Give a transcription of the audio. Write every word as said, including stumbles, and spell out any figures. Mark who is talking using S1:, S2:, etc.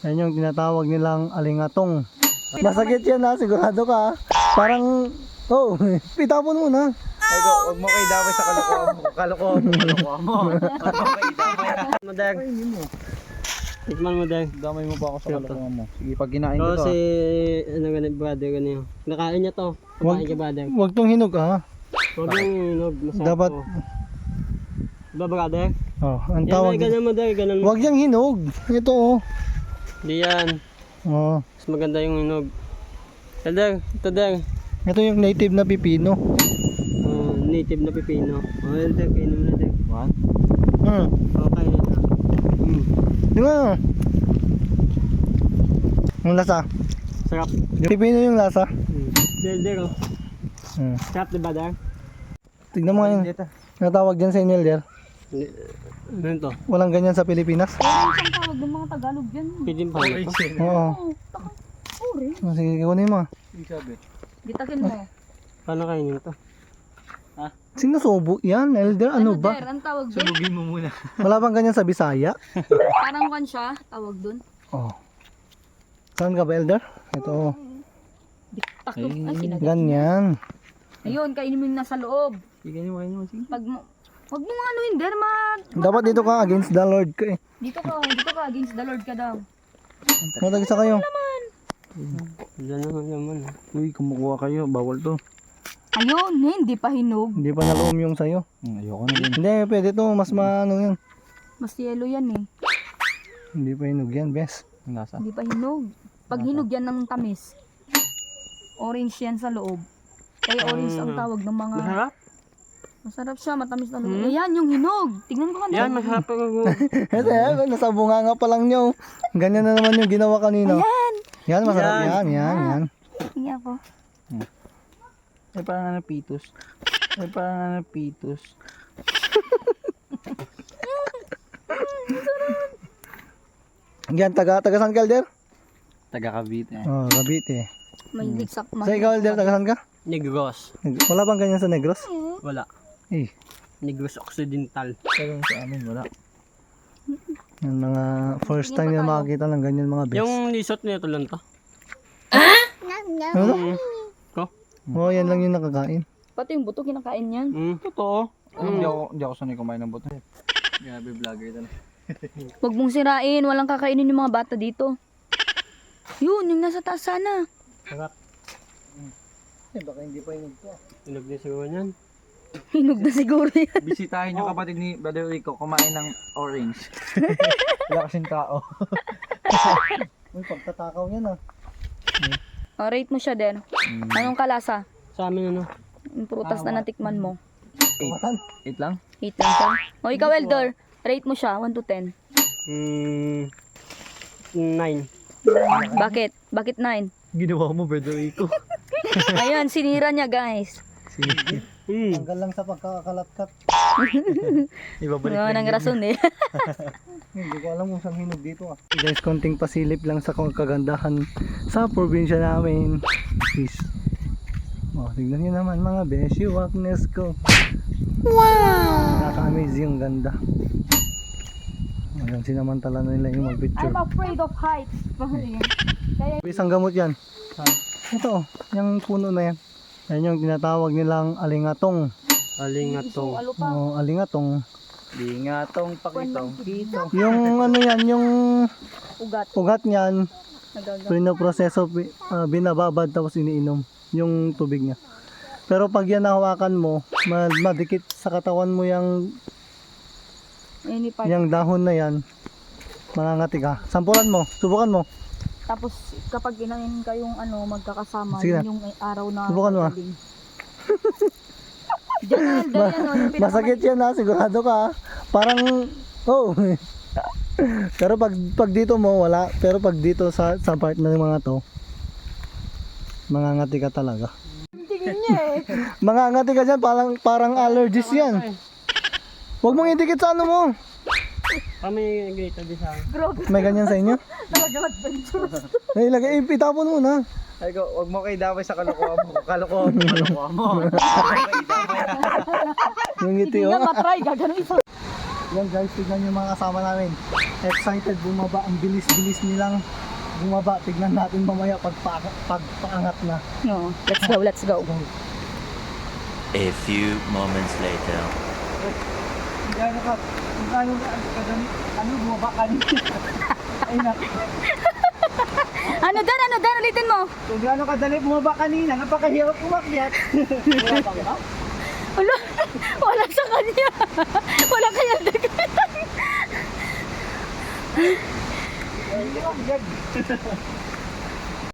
S1: Yan yung tinatawag nilang alingatong. Masakit yan ha, sigurado ka ha. Parang, oh, pitapon mo na.
S2: Ay ko, huwag mo kayo damay sa kalokohan mo. Kalokohan mo, kalokohan mo. Huwag mo kayo damay.
S3: Madang. Tikman mo, Dang.
S2: Damay mo pa ako sa kalokohan mo. Sige, pag kinain ko
S3: Oo,
S2: to.
S3: si, ano ganun, brother, ganun. Nakain niya to. Kumain ka, brother.
S1: Huwag tong hinog ha.
S3: Huwag yung hinog. Masarap
S1: Dapat,
S3: to. Diba, brother?
S1: oh, ang
S3: Yan,
S1: tawag.
S3: ay, ganun mo, Dang. Ganun mo.
S1: Huwag yung hinog. Ito oh.
S3: Di yan.
S1: Oh,
S3: Mas maganda yung hinog. Dang, ito, Dang.
S1: ito yung native na pipino.
S3: Oh, native na pipino. Oh, yun, Dang. Kainin mo na, Dang.
S2: One.
S1: Hmm.
S3: Okay na. Mm.
S1: Di ba? Ang lasa.
S3: Sarap.
S1: Yung pipino yung lasa.
S3: Mm. Elder, oh.
S1: Hmm.
S3: Sarap, diba, Dang?
S1: Tignan mo ngayon.
S2: Dito.
S1: Natawag dyan sa inyo, Elder.
S3: Ano to?
S1: Walang ganyan sa Pilipinas.
S4: Meron siyang tawag ng mga Tagalog dyan.
S3: Pidim pa ito.
S1: Oo.
S4: Oo, takang uri.
S1: Oh, sige, kunin mo.
S2: Yung sabi.
S4: Gitakin mo.
S3: Paano kainin ito?
S1: Sinusubo yan, Elder. Ano ba?
S4: Der, ang tawag dun?
S2: Subugin mo muna.
S1: Wala bang ganyan sa Bisaya?
S4: Parang kan siya, tawag dun.
S1: Oh. Saan ka ba, Elder? Ito.
S4: Diktak yung, ay sinagat.
S1: Ganyan.
S4: Ayun, kainin mo yung nasa loob.
S2: Sige, kainin mo, kainin mo. Sige.
S4: Pag mo, wag mo ano yun, Der, ma...
S1: Dapat dito ka against the Lord ka eh.
S4: Dito ka, dito ka, against the Lord ka daw.
S1: Matagisa kayo.
S3: Diyan naman naman.
S2: Uy, kumukuha kayo. Bawal to.
S4: Ayun, hindi pa hinog.
S1: Hindi pa naloom yung sayo.
S2: Hmm, ayoko na din.
S1: Hindi, pwede to. Mas maano yan.
S4: Mas yellow yan eh.
S1: Hindi pa hinog yan, bes.
S2: Ang lasa.
S4: Hindi pa hinog. Pag hinog yan ng tamis, orange yan sa loob. Kaya orange ang tawag ng mga...
S3: Masarap?
S4: Masarap siya, matamis na loob. Ayan, yung hinog. Tignan ko ka
S3: Yan, masarap ang
S1: Kasi eh, nasa bunganga pa lang nyo. Ganyan na naman yung ginawa kanino.
S4: Ayan.
S1: Yan, masarap
S3: Yan.
S1: yan, yan, yan.
S4: Tingnan ko.
S2: Ay, parang nga napitos. Ay, parang nga napitos.
S1: Yan, taga, taga saan ka, Elder?
S2: Taga Cavite.
S1: Oh, Cavite.
S4: May diksak.
S1: Sa ikaw, Elder, taga saan ka?
S3: Negros.
S1: Wala bang ganyan sa Negros?
S3: Wala.
S1: Eh,
S3: Negros Occidental.
S2: Pero sa amin, wala.
S1: yung mga first time na makakita ng ganyan mga bes.
S3: Yung lisot nito lang to.
S1: Ano?
S3: Mm. Ko?
S1: Oh, yan lang yung nakakain.
S4: Pati yung buto kinakain yan.
S3: Mm.
S2: Totoo. Hindi ako, hindi ako sanay kumain ng buto. Grabe vlogger talaga.
S4: Huwag mong sirain, walang kakainin yung mga bata dito. Yun, yung nasa taas sana.
S3: Sarap.
S1: Eh, baka hindi pa hinog to.
S3: Inog din siguro yan.
S4: Hinog na siguro yan.
S2: Bisitahin yung kapatid ni Brother Rico kumain ng orange. Wala kasing tao.
S1: Uy, pagtatakaw yan ah.
S4: O, rate mo siya din. Anong kalasa?
S3: Sa amin ano?
S4: Yung prutas na natikman mo.
S1: Matan.
S2: Eight lang?
S4: eight lang siya. O, ikaw, Elder. Rate mo siya, one to ten.
S3: Mm. Nine.
S4: Bakit? Bakit nine?
S2: Ginawa mo, Brother Rico.
S4: Ayan, sinira niya, guys.
S3: Mm.
S1: Tanggal lang sa pagkakalatkat.
S2: Ibabalik
S4: Yun ang rason eh.
S1: Hindi ko alam kung saan hinog dito ah. Guys, konting pasilip lang sa kagandahan sa probinsya namin. Peace. Oh, tignan nyo naman mga beshi, wakness ko. Wow! Nakaka-amaze yung ganda. Ayan, sinamantala na nila yung mag-picture.
S4: afraid of heights.
S1: Isang gamot yan. Ito oh, yung puno na yan. Yan yung tinatawag nilang alingatong.
S3: Alingatong.
S4: Ano pa?
S1: Oh, alingatong.
S2: Di nga tong pakitong dito.
S1: Yung ano yan, yung
S4: Ugat.
S1: ugat niyan,
S4: Nagaga.
S1: pinoproseso, uh, binababad tapos iniinom yung tubig niya. Pero pag yan nahawakan mo, ma- madikit sa katawan mo yung,
S4: Ayun yung part.
S1: yung dahon na yan, mangangati ka. Sampulan mo, subukan mo.
S4: Tapos kapag inahin kayong ano, magkakasama,
S1: Sige
S4: yun yung araw na
S1: Subukan mo, ah.
S4: magaling. Diyan na, Elder, yan, oh, yung
S1: Masakit yan ha, sigurado ka ha. Parang, oh. Pero pag, pag dito mo, wala. Pero pag dito sa, sa part na yung mga to, mangangati ka talaga.
S4: tingin niya eh.
S1: Mangangati ka dyan, parang, parang allergies yan. Huwag mong idikit sa ano mo.
S3: Kami ganito din sa akin.
S4: Grabe,
S1: May ganyan sa inyo?
S4: talaga adventure.
S1: Ay, ilagay, itapon mo na.
S2: Ay ko, huwag mo kayo damay sa kalokohan mo. Kalokohan mo, kalokohan mo. Huwag mo kayo damay.
S1: Yung ngiti
S4: Hindi
S1: oh.
S4: nga matry, gagano'n isa.
S1: Yan guys, tignan yung mga kasama namin. Excited bumaba, ang bilis-bilis nilang bumaba. Tignan natin mamaya pag pagpaangat na.
S4: No, let's go, let's go.
S5: A few moments later.
S1: Gano ka, kung ano ka, kadami, ano bumaba kanina. Ay na,
S4: Ano Dan, ano Dan, ulitin mo.
S1: kung gano'ng kadali bumaba kanina, napakahirap umakyat. Bumaba ka ba?
S4: Wala, wala sa kanya. Wala kaya dagat.
S1: Hindi ako gag.